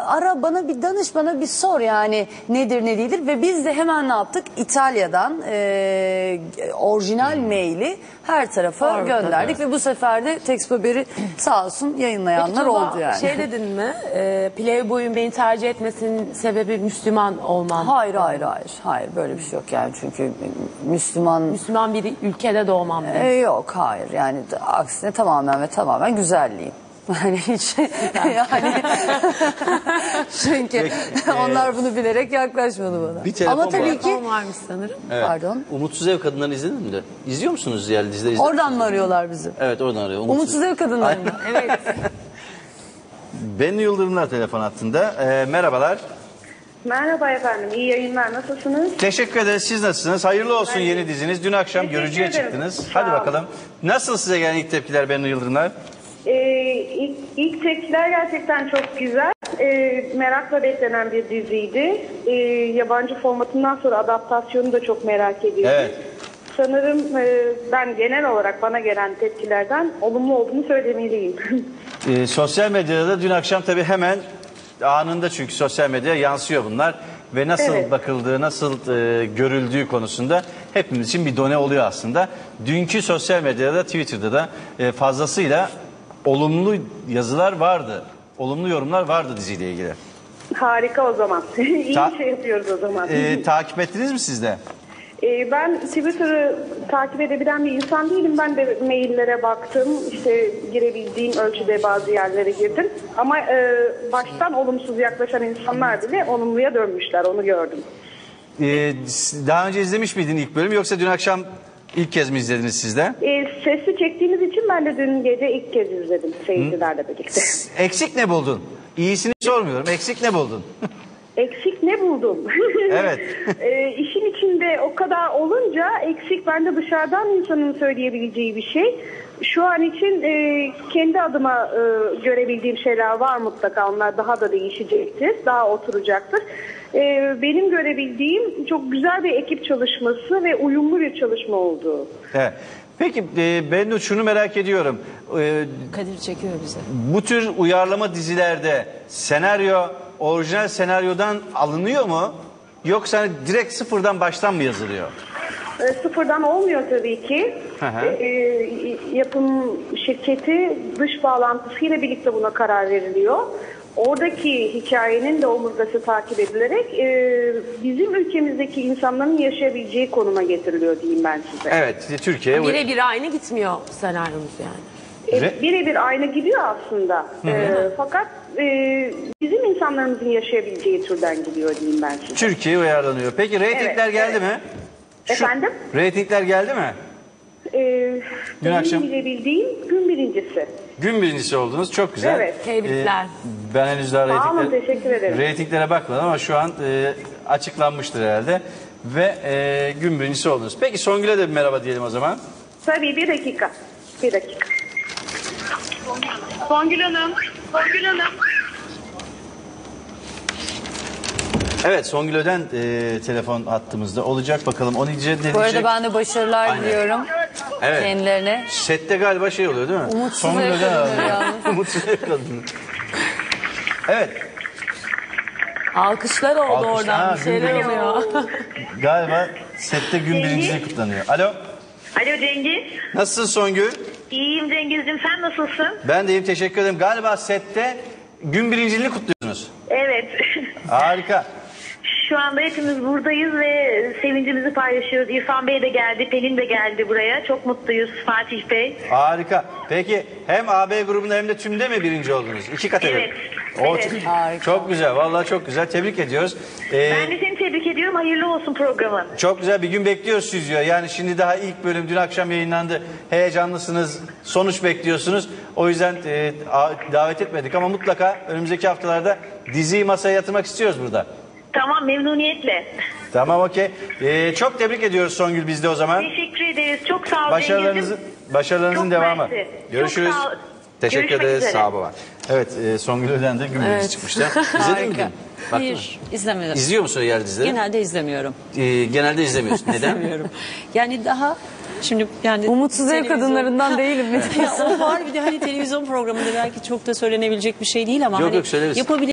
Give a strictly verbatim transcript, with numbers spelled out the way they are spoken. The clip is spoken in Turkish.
ara bana bir danış, bana bir sor yani nedir ne değildir. Ve biz de hemen ne yaptık? İtalya'dan e, orijinal maili her tarafa Doğru, gönderdik. tabii. Ve bu sefer de Textboberi sağ olsun yayınlayanlar Tuba, oldu yani. şey dedin mi? E, Playboy'un beni tercih etmesinin sebebi Müslüman olmam. Hayır hayır hayır. Hayır böyle bir şey yok yani çünkü Müslüman... Müslüman bir ülkede doğmam demiş. E, yok hayır yani aksine tamamen ve tamamen güzelliğim. Yani hiç yani çünkü Peki, onlar bunu bilerek yaklaşmadı bana. Bir telefon Ama tabii var. ki Telefon varmış sanırım. Evet. pardon. Umutsuz Ev Kadınları'nı izledin mi de? İzliyor musunuz yani dizileri? izliyor Oradan musunuz? mı arıyorlar bizi? Evet oradan arıyor. Umutsuz Ev Kadınları'nda. Evet. Bennu Yıldırımlar telefon hattında. Ee, merhabalar. Merhaba efendim, iyi yayınlar. Nasılsınız? Teşekkür ederiz. Siz nasılsınız? Hayırlı olsun Ben- yeni diziniz. Dün akşam Teşekkür görücüye ederim. çıktınız. Sağ Hadi olun. bakalım. Nasıl size gelen ilk tepkiler Bennu Yıldırımlar? Ee, ilk, ilk tepkiler gerçekten çok güzel. Ee, merakla beklenen bir diziydi. Ee, yabancı formatından sonra adaptasyonu da çok merak ediyorum. Evet. Sanırım e, ben genel olarak bana gelen tepkilerden olumlu olduğunu söylemeliyim. Ee, sosyal medyada da dün akşam tabii hemen anında çünkü sosyal medyaya yansıyor bunlar. Ve nasıl Evet. bakıldığı, nasıl e, görüldüğü konusunda hepimiz için bir done oluyor aslında. Dünkü sosyal medyada, Twitter'da da e, fazlasıyla olumlu yazılar vardı. Olumlu yorumlar vardı diziyle ilgili. Harika o zaman. İyi Ta- bir şey yapıyoruz o zaman. E, takip ettiniz mi siz de? Ee, ben Twitter'ı takip edebilen bir insan değilim. Ben de maillere baktım. İşte girebildiğim ölçüde bazı yerlere girdim. Ama e, baştan olumsuz yaklaşan insanlar bile olumluya dönmüşler. Onu gördüm. E, daha önce izlemiş miydin ilk bölüm yoksa dün akşam ilk kez mi izlediniz siz de? E, sesli çektiğimiz için ben de dün gece ilk kez izledim seyircilerle birlikte. Eksik ne buldun? İyisini sormuyorum. Eksik ne buldun? Eksik ne buldum? Evet. e, işin içinde o kadar olunca eksik bence dışarıdan insanın söyleyebileceği bir şey. Şu an için e, kendi adıma e, görebildiğim şeyler var mutlaka. Onlar daha da değişecektir, daha oturacaktır. E, benim görebildiğim çok güzel bir ekip çalışması ve uyumlu bir çalışma oldu. Evet. Peki e, ben şunu merak ediyorum. E, Kadir çekiyor bize. bu tür uyarlama dizilerde senaryo orijinal senaryodan alınıyor mu? Yoksa hani direkt sıfırdan baştan mı yazılıyor? E, sıfırdan olmuyor tabii ki. Hı hı. E, e, yapım şirketi dış bağlantısıyla birlikte buna karar veriliyor. Oradaki hikayenin de omurgası takip edilerek e, bizim ülkemizdeki insanların yaşayabileceği konuma getiriliyor diyeyim ben size. Evet, Türkiye. Birebir aynı gitmiyor senaryomuz yani. E, birebir aynı gidiyor aslında. E, fakat e, bizim insanlarımızın yaşayabileceği türden gidiyor diyeyim ben size. Türkiye uyarlanıyor. Peki reytingler Evet, geldi evet. mi? Efendim? Reytingler geldi mi? E, Dün benim akşam- bilebildiğim gün birincisi. Gün birincisi oldunuz. Çok güzel. Evet. Tebrikler. Ee, ben henüz daha Sağ olun, reytingler, teşekkür ederim. reytinglere bakmadım ama şu an e, açıklanmıştır herhalde. Ve e, gün birincisi oldunuz. Peki Songül'e de bir merhaba diyelim o zaman. Tabii bir dakika. Bir dakika. Songül Hanım. Songül Hanım. Evet Songül Öden e, telefon hattımızda olacak. Bakalım o nice ne diyecek? Bu arada ben de başarılar Aynen. diliyorum Evet. kendilerine. Sette galiba şey oluyor değil mi? Umutsuz Songül ev Öden kadınları abi. yalnız. Umutsuz ev kadını. Evet. Alkışlar oldu Alkışlar, oradan. ha, Bir şeyler gün- oluyor. Galiba sette gün birinciliği kutlanıyor. Alo. Alo Cengiz. Nasılsın Songül? İyiyim Cengiz'cim, sen nasılsın? Ben de iyiyim, teşekkür ederim. Galiba sette gün birinciliğini kutluyorsunuz. Evet. Harika. Şu anda hepimiz buradayız ve sevincimizi paylaşıyoruz. İrfan Bey de geldi, Pelin de geldi buraya. Çok mutluyuz Fatih Bey. Harika. Peki hem A B grubunda hem de tümde mi birinci oldunuz? İki kategori. Evet, O evet. çok, Harika. çok güzel. Vallahi çok güzel. Tebrik ediyoruz. Ee, Ben de seni tebrik ediyorum. Hayırlı olsun programın. Çok güzel bir gün bekliyoruz stüdyo. Yani şimdi daha ilk bölüm dün akşam yayınlandı. Heyecanlısınız. Sonuç bekliyorsunuz. O yüzden e, a- davet etmedik ama mutlaka önümüzdeki haftalarda diziyi masaya yatırmak istiyoruz burada. Tamam, memnuniyetle. Tamam okey. Ee, çok tebrik ediyoruz Songül bizde o zaman. Teşekkür ederiz. Çok sağ ol Başarılarınızın, Cengiz'im. başarılarınızın Çok devamı. mersi. Görüşürüz. Çok sağ ol. Teşekkür Görüşmek ederiz. üzere. Sağ ol baba. Evet e, Songül Öden de gün birincisi Evet. çıkmıştı. İzledin mi dün? Harika. Baktın mı? Hayır, izlemedim. İzliyor musun yer dizileri? Genelde izlemiyorum. Ee, genelde izlemiyorsun. Neden? İzlemiyorum. Yani daha şimdi yani Umutsuz ev televizyon- kadınlarından değilim mi? Ya o var bir de hani televizyon programında belki çok da söylenebilecek bir şey değil ama Yok, hani yok, söyleriz. yapabilir